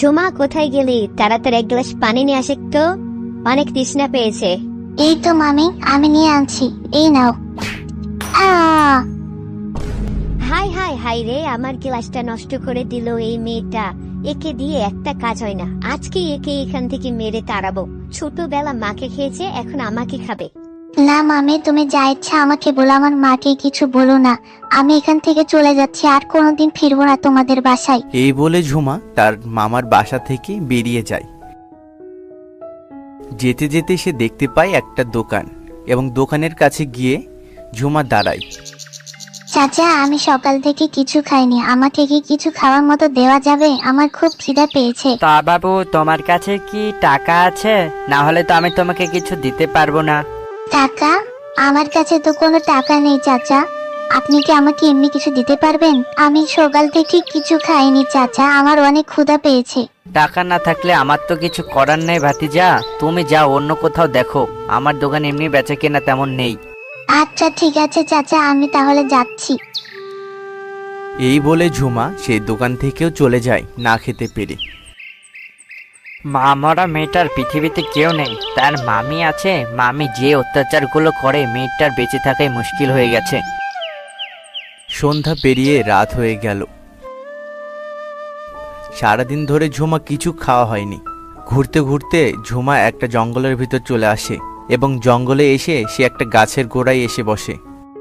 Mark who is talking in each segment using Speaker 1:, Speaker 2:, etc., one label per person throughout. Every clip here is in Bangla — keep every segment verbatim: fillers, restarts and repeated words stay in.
Speaker 1: ঝুমা, কোথায় গেলি? তাড়াতাড়ি এক গ্লাস পানি নিয়ে আসে তো, অনেক তৃষ্ণা পেয়েছে।
Speaker 2: এই তো মামি, আমি নিয়ে আনছি, এই নাও। আহ
Speaker 1: হাই হাই হাই রে, আমার গ্লাসটা নষ্ট করে দিল এই মেয়েটা। একে দিয়ে একটা কাজ হয় না, আজকে একে এখান থেকে মেরে তাড়াবো। ছোটবেলা মাকে খেয়েছে, এখন আমাকে খাবে।
Speaker 2: না মামি, তুমি যা ইচ্ছা আমাকে বলো, আমার মাকে কিছু বলো না। আমি এখান থেকে চলে যাচ্ছি, আর কোনোদিন ফিরবো না তোমাদের বাসায়।
Speaker 3: এই বলে ঝুমা তার মামার বাসা থেকে বেরিয়ে যায়। যেতে যেতে সে দেখতে পায় একটা দোকান, এবং দোকানের কাছে গিয়ে ঝুমা দাঁড়ায়।
Speaker 2: চাচা, আমি সকাল থেকে কিছু খাইনি, আমাকে কি কিছু খাওয়ার মতো দেওয়া যাবে? আমার খুব খিদা পেয়েছে।
Speaker 4: তা বাবু, তোমার কাছে কি টাকা আছে? না হলে তো আমি তোমাকে কিছু দিতে পারবো না।
Speaker 2: টাকা? আমার কাছে তো কোনো টাকা নেই চাচা। আপনি কি আমাকে এমনি কিছু দিতে পারবেন? আমি সকাল থেকে কিছু খাইনি চাচা, আমার অনেক ক্ষুধা পেয়েছে।
Speaker 4: টাকা না থাকলে আমার তো কিছু করার নেই ভাতিজা, তুমি যাও অন্য কোথাও দেখো, আমার দোকান এমনি বেচা কেনা তেমন নেই।
Speaker 2: আচ্ছা ঠিক আছে চাচা, আমি তাহলে যাচ্ছি।
Speaker 3: এই বলে ঝুমা সেই দোকান থেকেও চলে যায় না খেতে পেরে।
Speaker 4: মা মরা মেয়েটার পৃথিবীতে কেউ নেই, তার মামি আছে। মামি যে অত্যাচারগুলো করে, মেয়েটার বেঁচে থাকাই মুশকিল হয়ে গেছে।
Speaker 3: সন্ধ্যা পেরিয়ে রাত হয়ে গেল। সারাদিন ধরে ঝুমা কিছু খাওয়া হয়নি। ঘুরতে ঘুরতে ঝুমা একটা জঙ্গলের ভিতর চলে আসে, এবং জঙ্গলে এসে সে একটা গাছের গোড়ায় এসে বসে।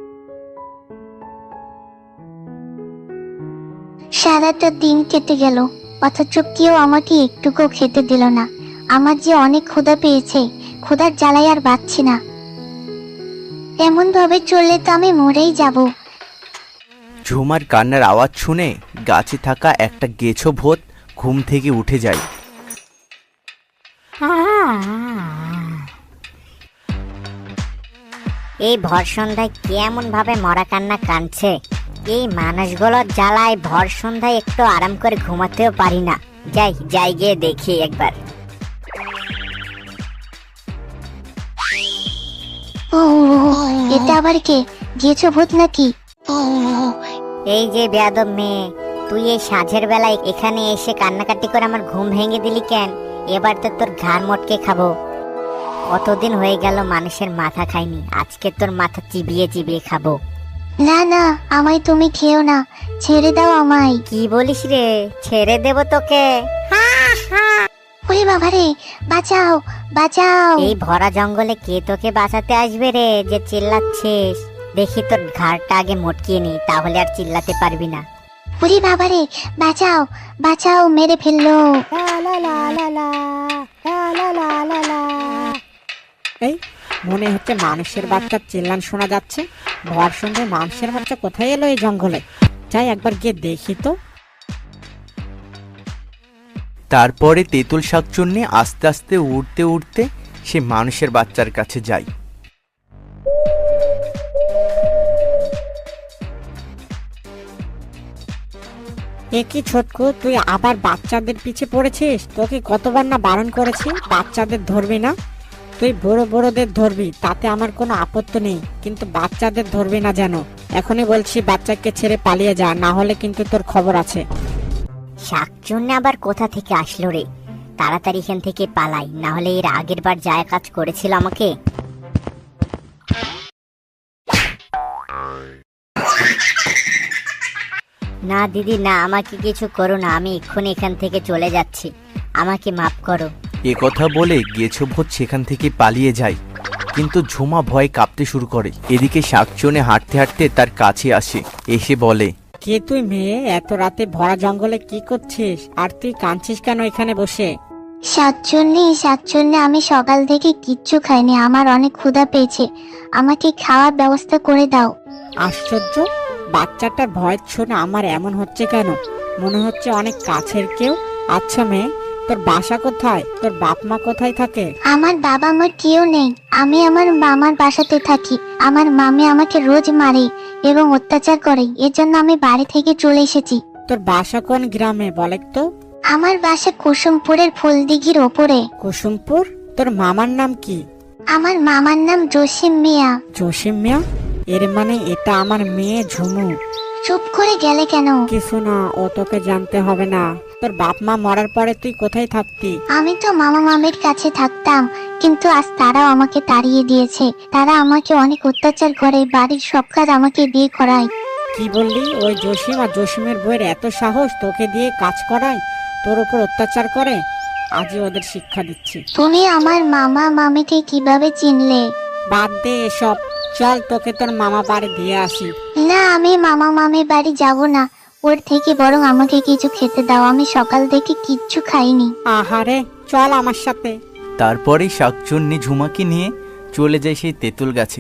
Speaker 2: সারাটা দিন কেটে গেল, অথচ কেউ আমাকে একটুকু খেতে দিল না। আমার যে অনেক ক্ষুধা পেয়েছে, ক্ষুধার জ্বালায় আর বাঁচছি না। এমন ভাবে চললে তো আমি মরেই যাব।
Speaker 3: ঝুমার কান্নার আওয়াজ শুনে গাছে থাকা একটা গেছো ভূত ঘুম থেকে উঠে যায়।
Speaker 5: এই ভর সন্ধ্যায় কেমন ভাবে মরা কান্না কাঁদছে। এই মানুষগুলোর জ্বালায় ভর সন্ধ্যায় একটু আরাম করে ঘুমাতেও পারি না। যাই যাই গিয়ে দেখি একবার।
Speaker 2: ও, এটা আবার কে? গেছো ভূত নাকি?
Speaker 5: এই যে বেয়াদব মেয়ে, তুই এই সাঁঝের বেলায় এখানে এসে কান্নাকাটি করে আমার ঘুম ভেঙে দিলি কেন? এবার তো তোর ঘাড় মটকে খাবো। কতদিন হয়ে গেল মানুষের মাথা খাইনি, আজকে তোর মাথা চিবিয়ে চিবিয়ে খাবো।
Speaker 2: না না, আমায় তুমি খেও না, ছেড়ে দাও আমায়।
Speaker 5: কি বলিস রে? ছেড়ে দেব তোকে?
Speaker 2: ওরে বাবারে, বাঁচাও বাঁচাও।
Speaker 5: এই ভরা জঙ্গলে কে তোকে বাঁচাতে আসবে রে, যে চিল্লাচ্ছিস? দেখি তোর ঘাড়টা আগে মটকিয়ে নি, তাহলে আর চিল্লাতে পারবি না।
Speaker 2: ওরে বাবারে, বাঁচাও বাঁচাও, মেরে ফেললো।
Speaker 6: এই মনে হচ্ছে মানুষের বাচ্চা চিল্লান শোনা যাচ্ছে। ভর সন্ধ্যায় মানুষের বাচ্চা কোথায় এলো এই জঙ্গলে? যাই একবার গিয়ে দেখি তো।
Speaker 3: তারপরে তেঁতুল শাকচুন্নি আস্তে আস্তে উড়তে উড়তে সে মানুষের বাচ্চার কাছে যায়।
Speaker 6: এ কি ছোটকু, তুই আবার বাচ্চাদের পিছে পড়েছিস? তোকে কতবার না বারণ করেছি বাচ্চাদের ধরবি না। তুই বড় বড়দের ধরবি, তাতে আমার কোনো আপত্তি নেই, কিন্তু বাচ্চাদের ধরবি না যেন। এখনই বলছি বাচ্চাকে ছেড়ে পালিয়ে যা, না হলে কিন্তু তোর খবর আছে।
Speaker 5: শাকচুন্নি আবার কোথা থেকে আসলো রে? তাড়াতাড়ি এখান থেকে পালাই, না হলে এর আগের বার যা কাজ করেছিল আমাকে। না দিদি না, আমাকে কিছু করো না, আমি এক্ষুনি এখান থেকে চলে যাচ্ছি, আমাকে মাফ করো।
Speaker 3: এ কথা বলে গেছো ভূত সেখান থেকে পালিয়ে যায়, কিন্তু ঝুমা ভয়ে কাঁপতে শুরু করে। এদিকে শাকচুন্নি হাঁটতে হাঁটতে তার কাছে আসে, এসে বলে,
Speaker 6: কে তুই মেয়ে? এত রাতে ভরা জঙ্গলে কি করছিস? আর তুই কাঁদছিস কেন এখানে বসে?
Speaker 2: সাতচল্লি সাতচল্লি, আমি সকাল থেকে কিচ্ছু খাইনি, আমার অনেক ক্ষুধা পেয়েছে, আমাকে খাওয়ার ব্যবস্থা করে দাও।
Speaker 6: আশ্চর্য, বাচ্চাটার ভয় শুনে আমার এমন হচ্ছে কেন? মনে হচ্ছে অনেক কাছের কেউ। আচ্ছা মেয়ে, তোর বাসা কোথায়? তোর বাপ মা কোথায় থাকে?
Speaker 2: আমার বাবা মার কেউ নেই, আমি আমার মামার বাসাতে থাকি। আমার মামি আমাকে রোজ মারে এবং অত্যাচার করে, এজন্য আমি বাড়ি থেকে চলে এসেছি।
Speaker 6: তোর বাসা কোন গ্রামে বলে তো?
Speaker 2: আমার বাসা কুসুমপুরের ফুলদিঘির ওপরে।
Speaker 6: কুসুমপুর? তোর মামার নাম কি?
Speaker 2: আমার মামার নাম জসিম মিয়া।
Speaker 6: জসিম মিয়া? এর মানে এটা আমার মেয়ে ঝুমু।
Speaker 2: চুপ করে গেলে কেন?
Speaker 6: কিছু না, ও তোকে জানতে হবে না। তোর বাপ মা মরার পরে তুই কোথায় থাকতি?
Speaker 2: আমি তো মামা মামির কাছে থাকতাম, কিন্তু আজ তারাও আমাকে তাড়িয়ে দিয়েছে। তারা আমাকে অনেক অত্যাচার করে, বাড়ির সব কাজ আমাকে দিয়ে করায়।
Speaker 6: কি বললি? ওই জসিম আর জসিমের বইয়ের এত সাহস তোকে দিয়ে কাজ করায়, তোর উপর অত্যাচার করে? আজই ওদের শিক্ষা দিচ্ছি।
Speaker 2: তুমি আমার মামা মামিকে কিভাবে চিনলে?
Speaker 6: বাদ দে এসব, চল তোকে তোর মামা বাড়ি দিয়ে আসি।
Speaker 2: না, আমি মামা মামির বাড়ি যাব না। ওর থেকে বরং আমাকে কিছু খেতে দাও, আমি সকাল থেকে কিচ্ছু খাইনি।
Speaker 6: আহারে, চল আমার সাথে।
Speaker 3: তারপরেই শাকচুন্নি ঝুমাকে নিয়ে চলে যায় সেই তেঁতুল গাছে।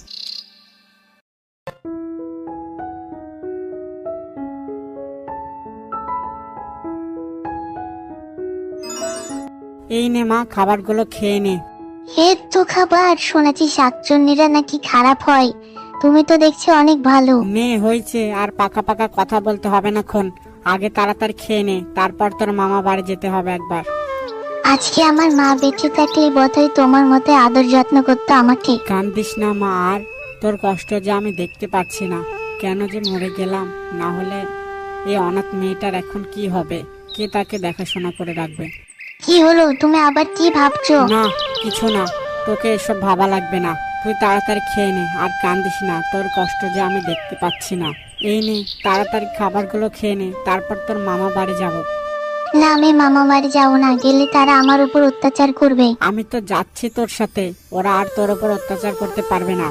Speaker 6: এই নে মা, খাবারগুলো খেয়ে নে।
Speaker 2: এর তো খাবার, শুনেছি শাকচুন্নিরা নাকি খারাপ হয়। তুমি তো দেখছি অনেক ভালো।
Speaker 6: নে, হয়েছে, আর পাকা পাকা কথা বলতে হবে না খন। আগে তাড়াতাড়ি খেয়ে নে, তারপর তোর মামা বাড়ি যেতে হবে একবার।
Speaker 2: আজকে আমার মা বেঁচে থাকলে বোধহয় তোমার মতে আদর যত্ন করতো আমাকে।
Speaker 6: কান্দিস না মা, আর তোর কষ্ট যে আমি দেখতে পাচ্ছি না। কেন যে মরে গেলাম, না হলে এই অনাথ মেয়েটার এখন কি হবে? কে তাকে দেখাশোনা করে রাখবে?
Speaker 2: কি হলো, তুমি আবার কি ভাবছো?
Speaker 6: না, কিছু না, তোকে এসব ভাবা লাগবে না। তুই তাড়াতাড়ি খেয়ে নে, আর কান্দিস না। তোর কষ্ট যে আমি দেখতে পাচ্ছি না। এই নে, তাড়াতাড়ি খাবারগুলো খেয়ে নে, তারপর তোর মামা বাড়ি যাব।
Speaker 2: না, আমি মামা বাড়ি যাবো না, গেলে তারা আমার উপর অত্যাচার করবে।
Speaker 6: আমি তো যাচ্ছি তোর সাথে, ওরা আর তোর উপর অত্যাচার করতে পারবে না।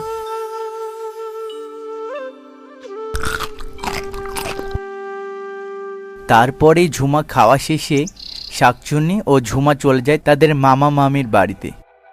Speaker 3: তারপরেই ঝুমা খাওয়া শেষে শাকচুন্নি ও ঝুমা চলে যায় তাদের মামা মামির বাড়িতে।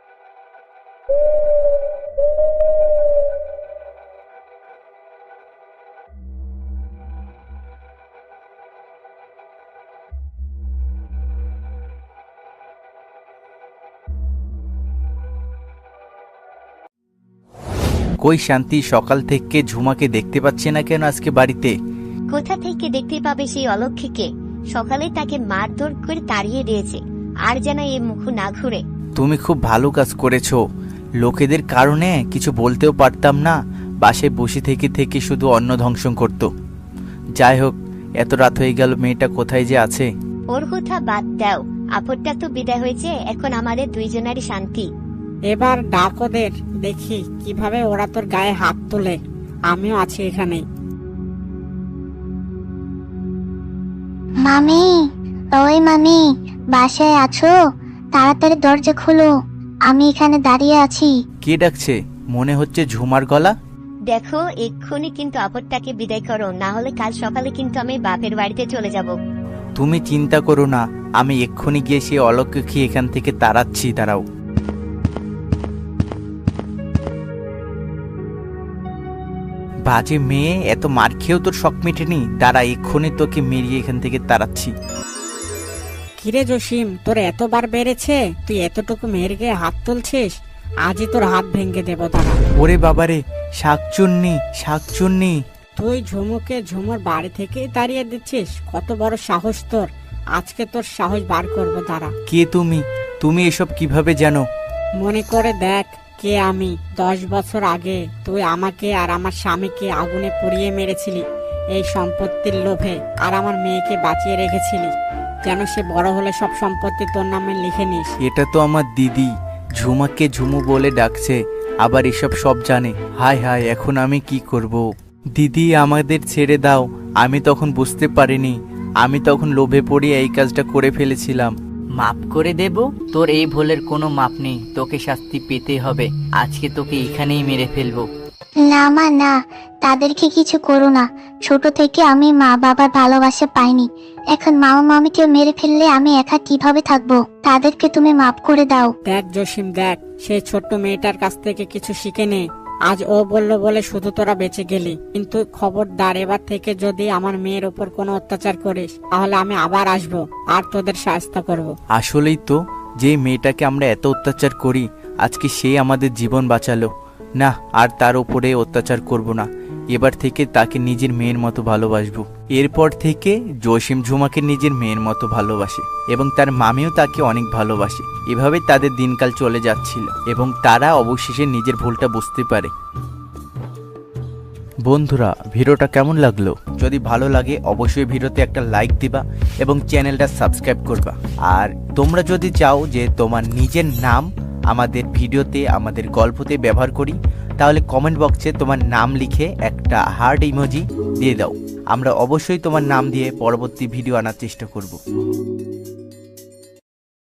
Speaker 3: কই শান্তি সকাল থেকে ঝুমাকে দেখতে পাচ্ছে না কেন আজকে বাড়িতে?
Speaker 1: কোথা থেকে দেখতে পাবে সেই অলক্ষীকে? সকালে তাকে মারধর করে তাড়িয়ে দিয়েছে, আর যেন এ মুখ না ঘুরে।
Speaker 3: তুমি খুব ভালো কাজ করেছো। লোকেদের কারণে কিছু বলতেও পারতাম না, বাসায় বসে থেকে থেকে শুধু অন্ন ধ্বংস করত। যাই হোক, এত রাত হয়ে গেল, মেয়েটা কোথায় যে আছে?
Speaker 1: ওর কথা বাদ দাও, আপদটা তো বিদায় হয়েছে, এখন আমাদের দুইজনেরই শান্তি।
Speaker 6: এবার ডাক ওদের, দেখি কিভাবে ওরা তোর গায়ে হাত তোলে। আমিও আছি এখানে।
Speaker 2: মামি, ওই মামি, বাসায় আছো? তাড়াতাড়ি দরজা খোলো, আমি এখানে দাঁড়িয়ে আছি।
Speaker 3: কে ডাকছে? মনে হচ্ছে ঝুমার গলা।
Speaker 1: দেখো, এক্ষুনি কিন্তু আপদটাকে বিদায় করো, না হলে কাল সকালে কিন্তু আমি বাপের বাড়িতে চলে যাব।
Speaker 3: তুমি চিন্তা করো না, আমি এক্ষুনি গিয়ে সে অলক্ষী এখান থেকে তাড়াচ্ছি, দাঁড়াও। বাজে মেয়ে, এত মার খেয়েও তোর শখ মেটেনি? দাঁড়া, এক্ষুনি তোকে মেরিয়ে এখান থেকে তাড়াচ্ছি।
Speaker 6: কিরে জসিম, তোর এতবার বেড়েছে, তুই এতটুকু মেয়ের গায়ে হাত তুলছিস? আজই তোর হাত ভেঙে দেবো, দাঁড়া।
Speaker 3: ওরে বাবারে, শাকচুন্নি, শাকচুন্নি!
Speaker 6: তুই ঝুমুকে ঝুমুর বাড়ি থেকে তাড়িয়ে দিচ্ছিস? কত বড় সাহস তোর! আজকে তোর সাহস বার করবো, দাঁড়া।
Speaker 3: কে তুমি? তুমি এসব কিভাবে জানো?
Speaker 6: মনে করে দেখ কে আমি। দশ বছর আগে তুই আমাকে আর আমার স্বামীকে আগুনে পুড়িয়ে মেরেছিলি এই সম্পত্তির লোভে, আর আমার মেয়েকে বাঁচিয়ে রেখেছিলি যেন সে বড় হলে সব সম্পত্তি তোর নামে লিখে নিস।
Speaker 3: এটা তো আমার দিদি, ঝুমাকে ঝুমু বলে ডাকছে, আবার এসব সব জানে। হায় হায়, এখন আমি কি করব? দিদি, আমাদের ছেড়ে দাও। আমি তখন বুঝতে পারিনি, আমি তখন লোভে পড়ে এই কাজটা করে ফেলেছিলাম।
Speaker 4: মাপ করে দেব? তোর এই ভুলের কোনো মাপ নেই, তোকে শাস্তি পেতে হবে। আজকে তোকে এখানেই মেরে ফেলবো।
Speaker 2: না মা, না, তাদেরকে কিছু করো না। ছোট থেকে আমি মা বাবার ভালোবাসা পাইনি, এখন মামা মামিকে মেরে ফেললে আমি একা কিভাবে থাকবো? তাদেরকে তুমি মাফ করে দাও।
Speaker 6: দেখ জসিম, দেখ, সেই ছোট্ট মেয়েটার কাছ থেকে কিছু শিখে নে। আজ ও বললো বলে শুধু তোরা বেঁচে গেলি, কিন্তু খবরদার, এবার থেকে যদি আমার মেয়ের উপর কোনো অত্যাচার করিস তাহলে আমি আবার আসবো আর তোদের সাহায্য করব।
Speaker 3: আসলেই তো, যে মেয়েটাকে আমরা এত অত্যাচার করি, আজকে সে আমাদের জীবন বাঁচালো। না, আর তার উপরে অত্যাচার করব না। এবার থেকে তাকে নিজের মেয়ের মতো ভালোবাসবো। এরপর থেকে জসিম ঝুমাকে নিজের মেয়ের মতো ভালোবাসে এবং তার মামিও তাকে অনেক ভালোবাসে। এভাবে তাদের দিনকাল চলে যাচ্ছিল এবং তারা অবশেষে নিজের ভুলটা বুঝতে পারে। বন্ধুরা ভিডিওটা কেমন লাগলো? যদি ভালো লাগে অবশ্যই ভিডিওতে একটা লাইক দিবা এবং চ্যানেলটা সাবস্ক্রাইব করবা। আর তোমরা যদি চাও যে তোমার নিজের নাম আমাদের ভিডিওতে আমাদের গল্পতে ব্যবহার করি, তাহলে কমেন্ট বক্সে তোমার নাম লিখে একটা হার্ট ইমোজি দিয়ে দাও। আমরা অবশ্যই তোমার নাম দিয়ে পরবর্তী ভিডিও আনার চেষ্টা করব।